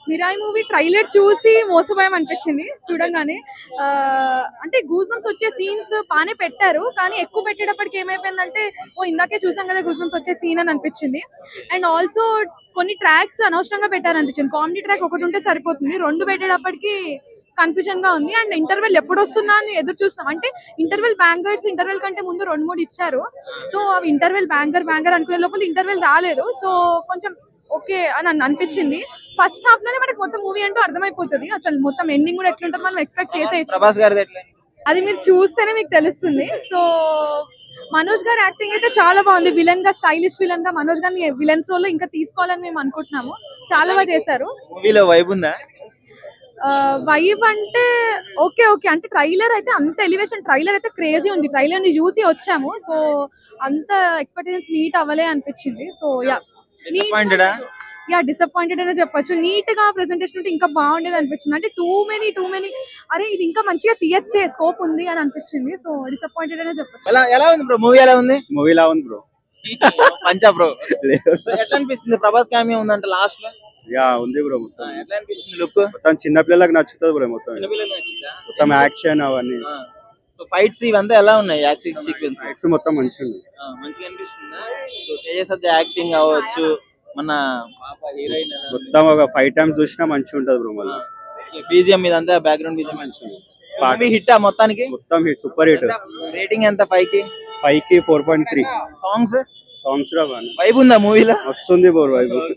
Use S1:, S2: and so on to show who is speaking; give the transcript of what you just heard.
S1: Mirai movie trailer చూసి మోసపోయాం అనిపించింది చూడంగానే. అంటే గూస్ బంప్స్ వచ్చే సీన్స్ బాగానే పెట్టారు, కానీ ఎక్కువ పెట్టేటప్పటికి ఏమైపోయిందంటే ఓ ఇందాకే చూసాం కదా గూస్ బంప్స్ వచ్చే సీన్ అని అనిపించింది. అండ్ ఆల్సో కొన్ని ట్రాక్స్ అనవసరంగా పెట్టారు అనిపించింది. కామెడీ ట్రాక్ ఒకటి ఉంటే సరిపోతుంది, రెండు పెట్టేటప్పటికి కన్ఫ్యూజన్ గా ఉంది. అండ్ ఇంటర్వెల్ ఎప్పుడు వస్తుందా అని ఎదురు చూస్తున్నాం. అంటే ఇంటర్వెల్ బ్యాంగర్స్ ఇంటర్వెల్ కంటే ముందు 2-3 ఇచ్చారు. సో అవి ఇంటర్వెల్ బ్యాంగర్ అనుకునే లోపల ఇంటర్వెల్ రాలేదు. సో కొంచెం ఓకే అని అనిపించింది. ఫస్ట్ హాఫ్ లోనే మనకి మొత్తం మూవీ అంటూ అర్థమైపోతుంది, అసలు మొత్తం ఎండింగ్ కూడా ఎట్లుంటుంది మనం ఎక్స్పెక్ట్ చేసేయచ్చు.
S2: ప్రభాస్ గారిది ఎట్లా?
S1: అది మీరు చూస్తేనే మీకు తెలుస్తుంది. సో మనోజ్ గారి యాక్టింగ్ అయితే చాలా బాగుంది. విలన్ గా, స్టైలిష్ విలన్ గా మనోజ్ గారిని విలన్స్ రోల్ లో ఇంకా తీసుకోవాలని మేము అనుకుంటున్నాము. చాలా బాగా చేశారు.
S2: మూవీలో వైబ్ ఉందా?
S1: వైబ్ అంటే ఓకే ఓకే, అంటే ట్రైలర్ అయితే అంత ఎలివేషన్, ట్రైలర్ అయితే క్రేజీ ఉంది. ట్రైలర్ ని చూసి వచ్చాము, సో అంత ఎక్స్పెక్టేషన్స్ మీట్ అవ్వలే అనిపించింది. సో
S2: Disappointed ఆ?
S1: డిసప్పాయింటెడ్ అనే చెప్పొచ్చు. నీట్ గా ప్రెసెంటేషన్ ఉంటే ఇంకా బాగుండేది అనిపించింది. అంటే టూ మెనీ అరే ఇది ఇంకా మంచిగా తీయచ్చే, స్కోప్ ఉంది అని అనిపించింది. సో డిసప్పాయింటెడ్ అనే చెప్పొచ్చు.
S2: ఎలా ఉంది బ్రో? మూవీ ఎలా ఉంది?
S3: మూవీలా ఉంది బ్రో.
S2: పంచా బ్రో. ఎట్లా అనిపిస్తుంది? ప్రభాస్ కామియా ఉందంట లాస్ట్ లో.
S3: యా ఉంది బ్రో. మొత్తం
S2: ఎట్లా అనిపిస్తుంది లుక్?
S3: మొత్తం చిన్న పిల్లలకు నచ్చుతుంది బ్రో. మొత్తం
S2: చిన్నపిల్లలు నచ్చిందా?
S3: మొత్తం యాక్షన్ అవన్నీ
S2: సో ఫైట్స్ ఇవంతా ఎలా ఉన్నాయి? యాక్షన్ సీక్వెన్స్
S3: యాక్స్ మొత్తం మంచిగా ఉంది.
S2: మంచిగా అనిపిస్తుందా? సో తేజ యాక్టింగ్ అవ్వచ్చు, మన పాప హీరోయిన్
S3: మొత్తం ఒక 5 times చూసినా మంచిగా ఉంటది బ్రో. మళ్ళీ
S2: బీజిఎం ఇదంతా బ్యాక్గ్రౌండ్ బీజిఎం
S3: మంచిగా
S2: మూవీ హిట్ మొత్తానికి.
S3: మొత్తం హిట్, సూపర్ హిట్.
S2: రేటింగ్ ఎంత? 5 కి
S3: 5కి 4.3.
S2: సాంగ్స్
S3: సాంగ్స్ కూడా బాగా
S2: వైబ్ ఉందా మూవీలో?
S3: వస్తుంది బ్రో వైబ్.